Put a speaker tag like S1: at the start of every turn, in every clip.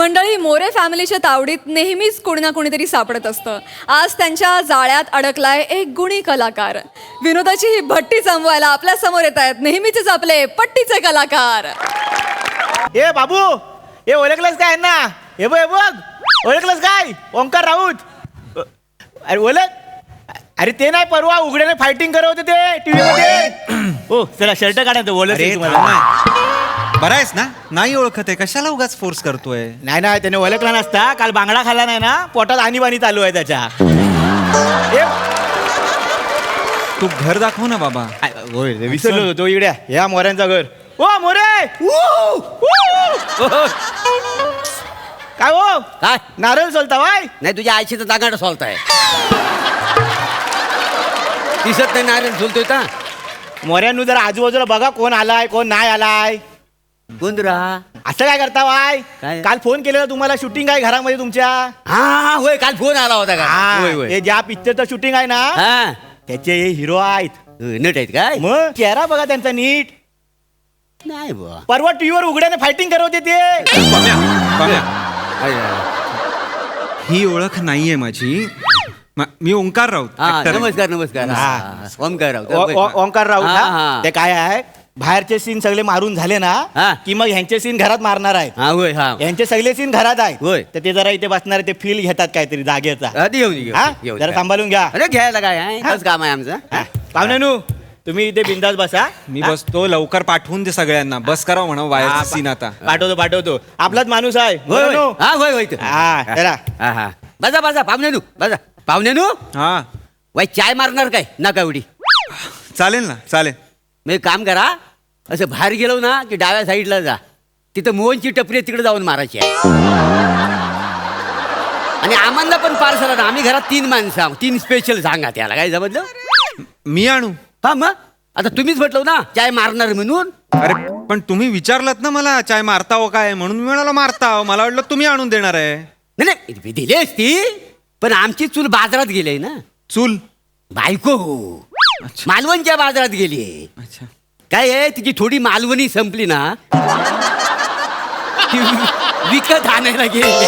S1: मंडळी, मोरे फॅमिलीच्या तावडीत नेहमीच कोणी ना कोणीतरी सापडत असतं. आज त्यांच्या जाळ्यात अडकलाय एक गुणी कलाकार. विनोदाची ही भट्टी जमवायला आपल्या समोर येत आहेत नेहमीचेच आपले पट्टीचे कलाकार.
S2: ए बाबू, हे ओळखलंस काय ना? हे बघ ओळखलंस काय? ओंकार राऊत. अरे ओळख. अरे ते नाही, परवा उघड्याने फायटिंग करत होते ते टीव्ही मध्ये. हो चला, शर्ट काढा. ओळख
S3: बरा आहेस ना? नाही ओळखत आहे, कशाला उगाच फोर्स करतोय?
S2: नाही नाही, त्याने ओळखला नसता. काल बांगडा खाल्ला नाही ना, पोटात आणीबाणी चालू आहे त्याच्या.
S3: तू घर दाखव ना बाबा.
S2: विसरलो तो इकड्या ह्या मोऱ्यांचा घर. ओ मोरे, काय हो?
S4: काय
S2: नारळ सोलता वाय?
S4: नाही, तुझ्या आईची तर दागाड सोलताय. दिसत नाही नारायण सोलतोय का?
S2: मोऱ्यांनु जरा आजूबाजूला बघा, कोण आलाय कोण नाही आलाय.
S4: गोंधरा
S2: असं काय करता वाय?
S4: काय?
S2: काल फोन केलेला तुम्हाला, शूटिंग आहे घरामध्ये तुमच्या.
S4: हा होय, काल फोन आला होता का? होय होय.
S2: हे ज्या पिक्चरचं शूटिंग आहे ना,
S4: हा
S2: त्याचे हे हिरो आहेत.
S4: नट आहेत काय?
S2: मग चेहरा बघा त्यांचा नीट.
S4: नाही बुवा.
S2: परवा टीव्हीवर उघड्याने फायटिंग करत होते ते.
S3: ही ओळख नाहीये माझी. मी ओंकार राऊत.
S4: हा,
S3: actor आहे.
S4: नमस्कार नमस्कार.
S2: हा.
S4: ओंकार राऊत.
S2: ओंकार राऊत
S4: हा,
S2: ना?
S4: हा.
S2: ते काय आहे, बाहेरचे सीन सगळे मारून झाले ना
S4: हा.
S2: की मग ह्यांचे सीन घरात मारणार आहेत.
S4: हा होय. हा
S2: यांचे सगळे सीन घरात आहेत.
S4: होय.
S2: तर ते जरा इथे बसणार, ते फील घेतात काहीतरी जागेचा.
S4: आधी येऊन घेऊ,
S2: हा?
S4: घेऊन
S2: जरा
S4: जा.
S2: सांभाळून घ्या.
S4: अरे घ्यायला काय आहे, तोच काम आहे आमचं.
S2: हा. पाहुण्यानू, तुम्ही इथे बिंदास बसा.
S3: मी बसतो, लवकर पाठवून दे सगळ्यांना. बस करा म्हणा
S2: हा,
S3: वायर सीन आता.
S2: पाठवतो. आपलाच माणूस आहे.
S4: होय होय.
S2: पाहुण्यानू.
S4: हा होय होय.
S2: हा, जरा.
S4: हा हा. बसा बसा पाहुण्यानू, बसा पाहुण्यानू.
S3: हा
S4: वाई चाय मारणार काय नका एवढी?
S3: चालेल ना, चालेल.
S4: मग एक काम करा, असं बाहेर गेलो ना की डाव्या साईडला जा. तिथं मोहनची टपरी आहे, तिकडे जाऊन मारायची आहे. आणि आम्हाला पण पार्सल ना, आम्ही घरात 3 माणसं आहोत. 3 स्पेशल सांगा त्याला, काय समजलं?
S3: मी आणू?
S4: हा मग आता तुम्हीच म्हटलं ना चाय मारणार म्हणून.
S3: अरे पण तुम्ही विचारलात ना मला चाय मारता हो काय, म्हणून मी म्हणाला मारता हो. मला वाटलं तुम्ही आणून देणार आहे.
S4: नाही नाही, दिली असती, पण आमची चूल बाजारात गेली ना.
S3: चूल?
S4: बायको मालवणच्या बाजारात गेली.
S3: अच्छा.
S4: काय आहे, तिची थोडी मालवणी संपली ना, ती विकत आणायला गेली.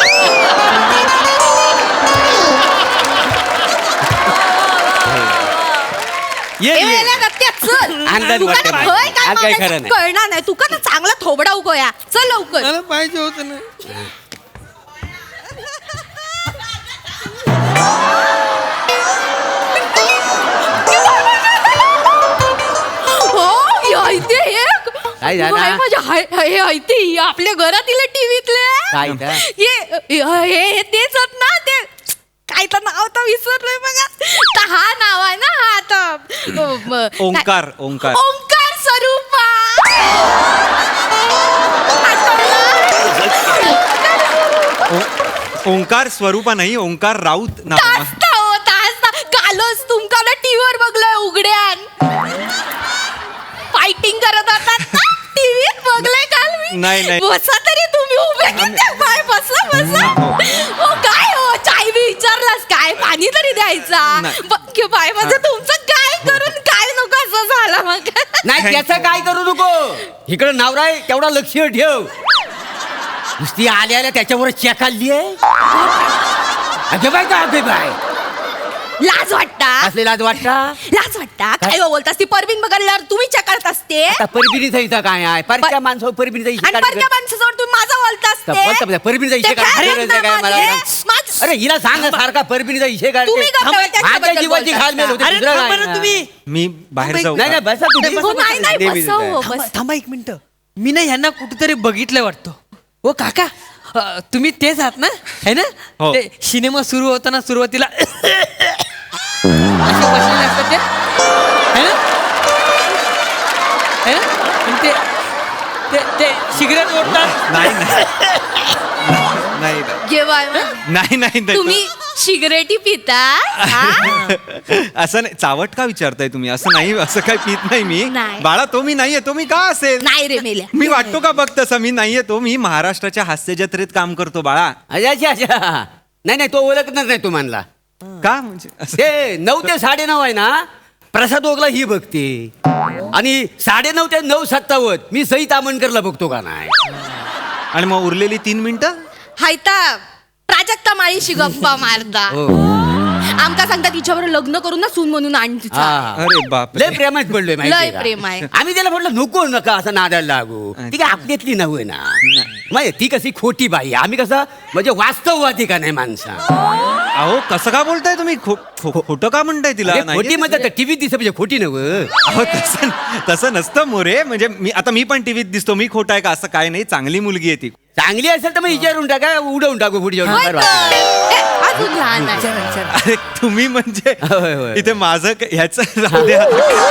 S4: अंदाज वाटत नाही. हा, काय खरं नाही.
S1: कळणार नाही तुका तर चांगला थोबडा उगोया. चल लवकर.
S5: पाहिजे होत ना.
S4: काय झालं?
S1: आपल्या घरातील टीव्हीतले
S4: काय इथं?
S1: हे तेच आहेत ना ते. काय तर नाव तर विसरलोय बघा. तर हा नाव आहे ना, हा आता
S3: ओंकार. ओंकार
S1: ओंकार स्वरूपा.
S3: ओंकार स्वरूपा नाही, ओंकार राऊत नाव.
S1: कालच तुमका ना टीव्हीवर बघलंय उघड्यान. फायटिंग करत होतात ना टीव्हीत बघलंय काल मी.
S3: नाही.
S1: बसा तरी तुम्ही उभे किती बाय बसा. हो काय हो, चाय बी विचारलास काय? पाणी तरी द्यायचा. बाय माझं तुमचं काय करून काय नको असं झालं मग.
S4: नाही त्याचं काय करू नको. इकडं नवरा आहे तेवढा लक्ष ठेव. नुसती आल्या त्याच्यावर चेकाली आहे. अगे बाय का अगे बाय,
S1: लाज वाटता.
S4: असले लाज वाटता.
S1: लाज वाटता काय बोलतास? ती परबीन बघायला तुम्ही चकारत असते.
S4: आता परबिनीचा इथं काय आहे? परक्या माणसावर परबिनीचा इशे
S1: आणि परक्या माणसाजवळ तुम्ही माझा बोलतास
S4: बोलता परबिनीचा इशे काय? अरे हिला सांग सारखा परबिनीचा इशे काय?
S1: तुम्ही गप्प बसा, त्याच्याबद्दल
S4: माझ्या जीवाची
S1: बोलतास
S4: घाल मेल होते.
S5: अरे
S4: दुसरं
S5: थांबा
S4: काय
S5: ना
S4: नाही.
S5: तुम्ही.
S3: मी बाहेर जाऊ
S4: नाही
S3: का?
S4: नाही बसा तुम्ही.
S1: हो, नाही बसा हो, बस.
S5: थांबा 1 मिनिट. मी ना ह्यांना कुठेतरी बघितलं वाटतं. ओ काका, तुम्ही तेच आहात ना, है ना?
S3: हो.
S5: ते सिनेमा सुरू होताना सुरुवातीला असे बसलेले असतात ते, है ना? है ना? आणि ते सिगरेट ओढतात.
S3: नाही.
S1: तुम्ही सिगरेटी पिता?
S3: असं नाही. चावट का विचारताय तुम्ही? असं नाही, असं काय पित नाही मी.
S1: नाही.
S3: बाळा तो मी नाहीये. तो मी का असेल?
S1: नाही रे मेल्या.
S3: मी वाटतो का बघ तसं? मी नाहीये तो. मी महाराष्ट्राच्या हास्य जत्रेत काम करतो बाळा.
S4: अच्छा. नाही तो ओळखणार नाही तुम्हाला.
S3: का म्हणजे असं?
S4: ते 9 ते 9:30 आहे ना, प्रसाद ओगला ही बघते. आणि 9:30 ते 9:57 मी सई तामणकरला बघतो का नाही.
S3: आणि मग उरलेली 3 मिनिटं
S6: हायता प्राजक्ता माळीशी गप्पा मारता आमका सांगता तिच्यावर लग्न करून ना सून म्हणून आण तिचा
S3: अरे बाप
S4: लय प्रेमात पडलोय माहितीये
S6: लय
S4: का?
S6: प्रेम आहे.
S4: आम्ही त्याला म्हटलं नको नका असं नादाला लागू ती काय आपल्यातली नव्हे ना माहिती ती कशी खोटी बाई आम्ही कसं म्हणजे वास्तववादी का नाही माणसा
S3: अहो कसं का बोलताय तुम्ही खोटं का म्हणताय तिला
S4: अरे,
S3: नाही.
S4: खोटी म्हणजे टीव्हीत दिसत म्हणजे खोटी नव्हे
S3: अहो तसं नसतं मोरे म्हणजे मी पण टीव्हीत दिसतो मी खोटा आहे का असं काय नाही चांगली मुलगी आहे ती
S4: चांगली असेल तर मग विचारून टाका उडवून टाकू पुढे
S6: होय
S4: जाऊन
S6: तर. ए, अजून लहान आहे
S3: अरे तुम्ही म्हणजे
S4: होय, होय.
S3: इथे माझं ह्याचं राहू द्या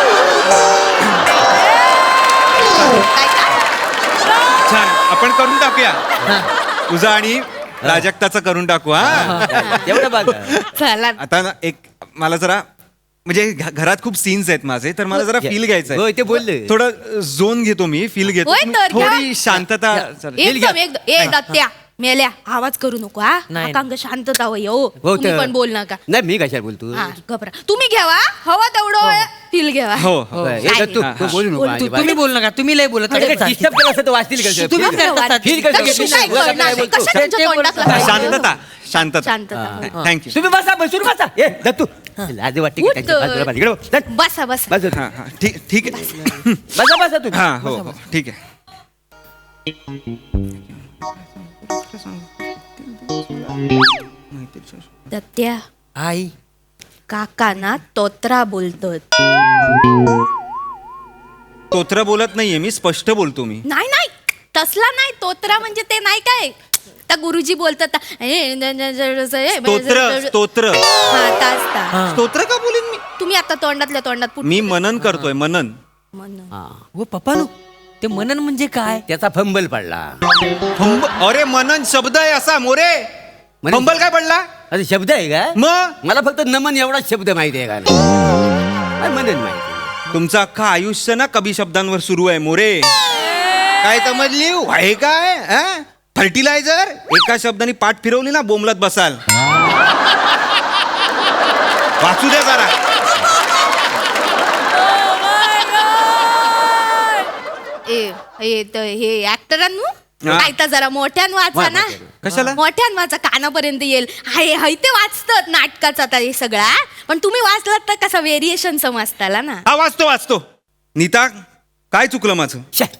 S6: काय का?
S3: छान आपण करून टाकूया तुझं आणि प्राजक्ताचं करून टाकू हा
S4: एवढं बघा
S6: चला
S3: आता ना एक मला जरा म्हणजे घरात खूप सीन्स आहेत माझे तर मला जरा फील घ्यायचं
S4: होय, ते बोलले.
S3: थोडं झोन घेतो मी फील घेतो
S6: होय
S3: तुम्ही
S6: तर, घ्या.
S3: थोडी शांतता चला.
S6: एकदम ए दत्त्या मेल्या आवाज करू नको हा
S5: नाही.
S6: अंग शांतता होय हो
S4: हो
S6: तुम्ही
S4: तर.
S6: पण बोल नका
S4: नाही मी कशाला बोलतो
S6: हा घबरा तुम्ही घ्यावा हवा तेवढं फील घ्यावा
S3: हो हो
S4: होय,
S6: काय
S4: हे तू
S3: हा,
S4: तू बोलू नको
S6: बोल,
S4: अजिबात.
S5: तुम्ही बोल नका तुम्ही लय बोलत
S4: म्हणजे
S5: नका.
S4: डिस्टर्ब केलं असं तर वाचतील का
S5: तुम्ही
S4: फील
S5: करता.
S4: करता. फील करता.
S6: कशी काय
S4: बोलता
S6: करणार?
S4: काय बोलतो?
S6: कशा तुमच्या तोंडात लागलं?
S3: शांतता शांतता
S6: शांतता
S3: थँक्यू
S4: तुम्ही बसा बसून बसा ए दत्तू लाज वाटते की
S6: उठ
S4: त्यांच्या बाजूला बस. इकडे बस. चल.
S6: बसा बसा
S4: बस
S3: हा हा ठीक आहे
S4: बसा बसा तुम्ही
S3: हा हो हो ठीक आहे
S6: दत्त्या
S5: आई
S6: काका ना तोत्रा बोलतात
S3: तोत्र बोलत नाहीये मी स्पष्ट बोलतो मी
S6: नाही नाही तसला नाही तोत्रा म्हणजे ते नाही काय त्या गुरुजी बोलतात
S3: स्तोत्र
S6: हा तास ता.
S3: स्तोत्र का बोलीन मी
S6: तुम्ही आता तोंडातल्या तोंडात पुट-
S3: मी मनन करतोय मनन
S6: म्हणून.
S4: हा.
S5: हो पप्पानो ते मनन म्हणजे काय
S4: त्याचा फंबल पडला
S3: अरे मनन शब्द आहे असा मोरे
S4: मनन-
S3: फंबल काय पडला
S4: अरे शब्द आहे का
S3: मग
S4: मला फक्त नमन एवढाच शब्द माहिती आहे का नाही मनन माहिती
S3: तुमचं अख्खं आयुष्य ना कवी शब्दांवर सुरू आहे मोरे काय समजली आहे काय फर्टिलायझर एका शब्दाने पाठ फिरवली ना बोंबलत बसाल वाचू द्या जरा
S6: हे ऍक्टरांनु
S3: हा.
S6: काय तर जरा मोठ्यान वाचा ना
S3: कशाला?
S6: मोठ्यान वाचा कानापर्यंत येईल हाय ते वाचतात नाटकाचं आता हे सगळा पण तुम्ही वाचलात तर कसा व्हेरिएशन समजताला ना
S3: हा वाचतो नीता काय चुकलं माझं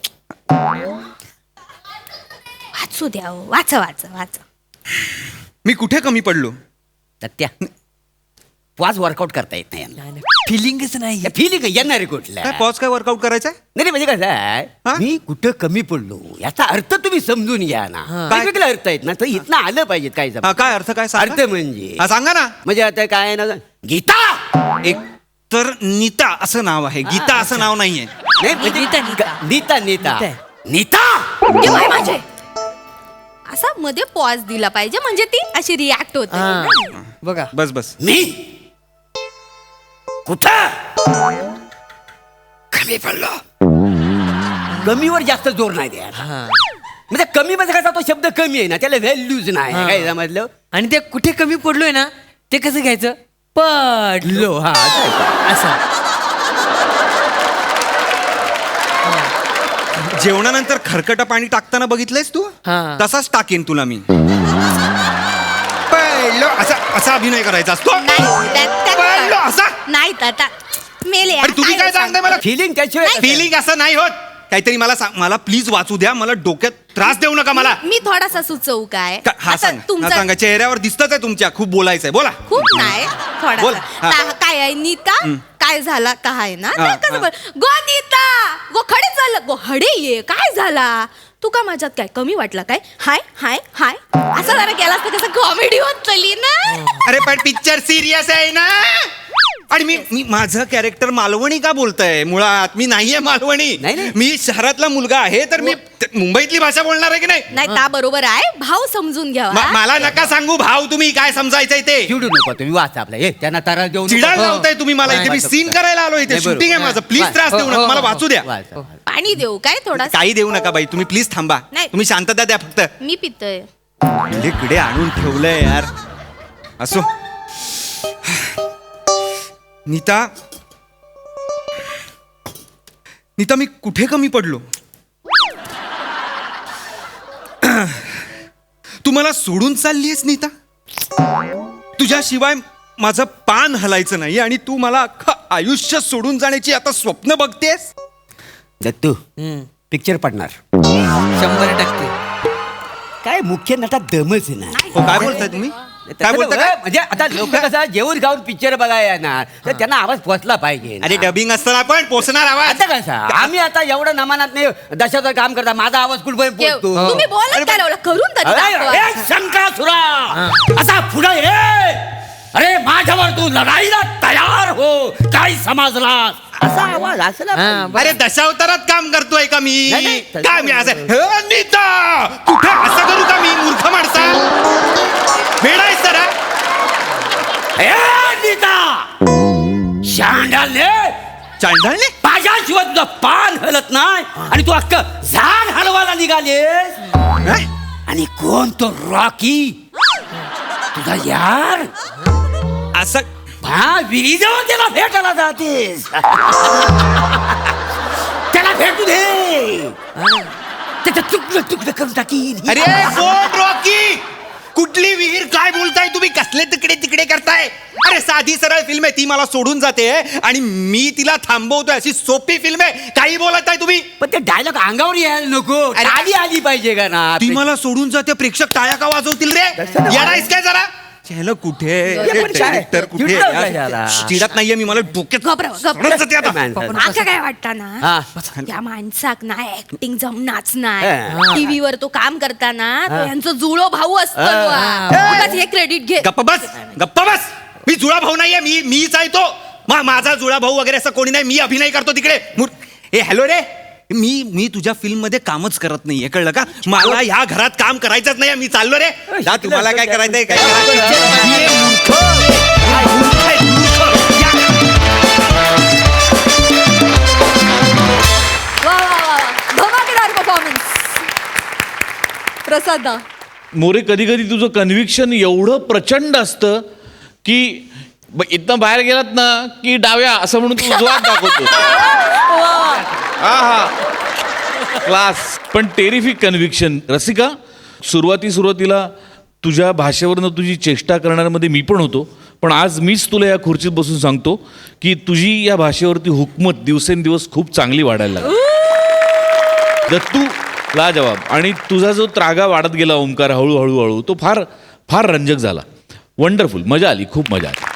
S6: वाचू द्या हो. वाचा वाचा वाचा
S3: मी कुठे कमी पडलो
S4: सत्या वाज वर्कआउट करता येत नाही यांना.
S5: फिलिंगच नाही
S4: या फिलिंग येणार आहे कुठल्या
S3: काय पॉज काय वर्कआउट करायचंय
S4: नाही म्हणजे कसं आहे
S3: हा?
S4: मी कुठं कमी पडलो याचा अर्थ तुम्ही समजून घ्या ना
S3: काय?
S4: वेगवेगळे अर्थ आहेत ना तर इथनं आलं पाहिजेत काय
S3: हा काय अर्थ काय सांगा?
S4: अर्थ म्हणजे
S3: हा सांगा ना
S4: म्हणजे आता काय आहे ना गीता
S3: एक तर नीता असं नाव आहे गीता असं नाव नाहीये
S4: नाही म्हणजे
S5: नीता, नीता.
S4: नीता
S5: नीता.
S4: नीता
S6: ये बाई माझे असा मध्ये पॉज दिला पाहिजे म्हणजे ती अशी रिॲक्ट होते
S5: हा. बघा
S3: बस
S4: मी कुठं कमी पडलो कमीवर जास्त जोर नाही द्या
S5: हा.
S4: म्हणजे कमी म्हणजे कसा तो शब्द कमी आहे ना त्याला व्हॅल्यूज नाही
S5: हा.
S4: काय समजलं
S5: आणि ते कुठे कमी पडलोय ना ते कसं घ्यायचं पडलो
S4: लो हा
S5: असं
S3: जेवणानंतर खरकटं पाणी टाकताना बघितलंयस तू
S5: हा.
S3: तसाच टाकेन तुला मी पहिलं असा अभिनय करायचा असतो पहिलं असा
S6: नाही ताता मेले
S3: अरे तुम्ही काय सांगताय मला
S4: फिलिंग त्याशिवाय
S3: फिलिंग असं नाही होत काहीतरी मला सांग मला प्लीज वाचू द्या मला डोक्यात त्रास देऊ नका मला
S6: मी थोडासा सुचवू काय
S3: हा
S6: आता
S3: सांग हा
S6: तुमचा
S3: सांगा चेहऱ्यावर दिसतच आहे तुमच्या खूप बोलायचंय बोला
S6: खूप नाही
S3: बोल,
S6: थोडासा
S3: हा.
S6: काय आहे नीता काय झाला काय ना
S3: हा,
S6: कसं
S3: हा.
S6: बोल गो नीता गो खडे चाललं गो हडे ये काय झाला तू का माझ्यात काय कमी वाटला काय हाय हाय हाय असं जरा केला असतं कसं कॉमेडी होत चली ना
S3: अरे पण पिक्चर सिरियस आहे ना आणि मी माझं कॅरेक्टर मालवणी का बोलतय मुळात मी नाहीये मालवणी
S4: नाही, नाही.
S3: मी शहरातला मुलगा आहे तर मी मुंबईतली भाषा बोलणार आहे की नाही
S6: नाही ता बरोबर आहे भाव समजून घ्यावा
S3: मला नका सांगू भाव तुम्ही काय समजायचंय ते
S4: चिडू नको तुम्ही वाचा आपला हे त्यांना तारा देऊ नको.
S3: चिडायला लावताय तुम्ही मला इथे मी सीन करायला आलो इथे
S4: नाही, बरोबर.
S3: शूटिंग आहे माझं प्लीज त्रास देऊ नका मला वाचू द्या
S4: वाचा.
S6: पाणी देऊ काय थोडा
S3: काही देऊ नका बाई तुम्ही प्लीज थांबा
S6: नाही.
S3: तुम्ही शांतता द्या फक्त
S6: मी पितोय
S3: इकडे आणून ठेवलंय यार असो नीता मी कुठे कमी पडलो तू मला सोडून चाललीयस नीता? तुझ्याशिवाय माझं पान हलायचं नाही आणि तू मला अख्खं आयुष्य सोडून जाण्याची आता स्वप्न बघतेस?
S4: दत्तू पिक्चर पडणार
S5: 100%.
S4: काय मुख्य नटा दमच ना.
S3: हो, काय बोलताय तुम्ही? काय बोलता काय?
S4: म्हणजे आता लोक कसं जेवून खाऊन पिक्चर बघायला येणार तर त्यांना आवाज पोचला पाहिजे ना.
S3: अरे डबिंग असताना पण पोचणार आवाज.
S4: आता कसं आम्ही आता एवढं नमानात नाही दशाचं काम करता माझा आवाज कुठपर्यंत
S6: केव,
S4: पोचतो.
S6: तुम्ही बोलत काय लावलं? करून तरी दाखवा.
S4: शंकासुरा असा पुढे ये. अरे माझ्यावर तू लढाईला तयार हो. काय समजलास? असा आवाज असला पाहिजे.
S3: अरे दशावतारात काम करतोय का मी?
S4: नाही, नाही.
S3: काय मी असं "हे, नीता कुठे असं करू का मी मूर्ख माणसा? वेडायस जरा.
S4: ए, नीता शांडालने
S3: चांडाळले
S4: माझ्याशिवाय तुझं पान हलत नाही आणि तू अख्खं झाड हलवायला निघालेस.
S3: काय?
S4: आणि कोण तो रॉकी तुझा यार
S3: असं
S4: हा विहिरीजवळ त्याला भेटायला जातेस. त्याला भेटू दे. त्याचं तुकडं तुकडं करून टाकीन.
S3: अरे कोण रॉकी? कुठली विहीर? काय बोलताय तुम्ही? कसले तिकडे तिकडे करताय? अरे साधी सरळ फिल्म आहे ती, मला सोडून जाते आणि मी तिला थांबवतोय. अशी सोपी फिल्म आहे. काही बोलताय तुम्ही?
S4: पण ते डायलॉग अंगावर यायला नको.
S3: अरे,
S4: आली आली पाहिजे का ना.
S3: ती मला सोडून जाते, प्रेक्षक टाळ्या का वाजवतील रे? येणारच काय जरा? चॅनल कुठे?
S4: पण काय?
S3: डायरेक्टर कुठे?
S4: चिडलं काय झाला?
S3: चिडत नाहीये मी, मला डोक्यात
S6: घबराव, घबराव.
S3: सडत जाते आता.
S6: माका काय वाटतं ना
S4: हा.
S6: या माणसाक ना ऍक्टिंग जमनाच
S4: हा.
S6: नाही. टीव्हीवर तो काम करताना तो यांचा जुळो भाऊ असतो हे क्रेडिट घे.
S3: गप्प बस, गप्प बस. मी जुळा भाऊ नाहीये, मीच आहे तो. माझा जुळा भाऊ वगैरे असं कोणी नाही. मी अभिनय करतो तिकडे. ए हॅलो रे, मी तुझ्या फिल्म मध्ये कामच करत नाहीये, कळलं का? मला ह्या घरात काम करायचंच नाही. मी चाललो रे. जा, तुम्हाला काय करायचंय काय करायचं? ये मूर्ख. काय मूर्ख आहे, मूर्ख. या.
S1: वा वा वा वा. धमाकेदार परफॉर्मन्स प्रसादा.
S7: मोरे, कधी कधी तुझं कन्व्हिक्शन एवढं प्रचंड असतं की इथनं बाहेर गेलात ना की डाव्या असं म्हणून तू जोरात दाखवतो. हा हा क्लास. पण टेरिफिक कन्व्हिक्शन. रसिका, सुरुवातीला तुझ्या भाषेवरनं तुझी चेष्टा करण्यामध्ये मी पण होतो, पण आज मीच तुला या खुर्चीत बसून सांगतो की तुझी या भाषेवरती हुकमत दिवसेंदिवस खूप चांगली वाढायला लागली. दत्तू लाजवाब. आणि तुझा जो त्रागा वाढत गेला ओंकार हळूहळू तो फार फार रंजक झाला. वंडरफुल. मजा आली, खूप मजा आली.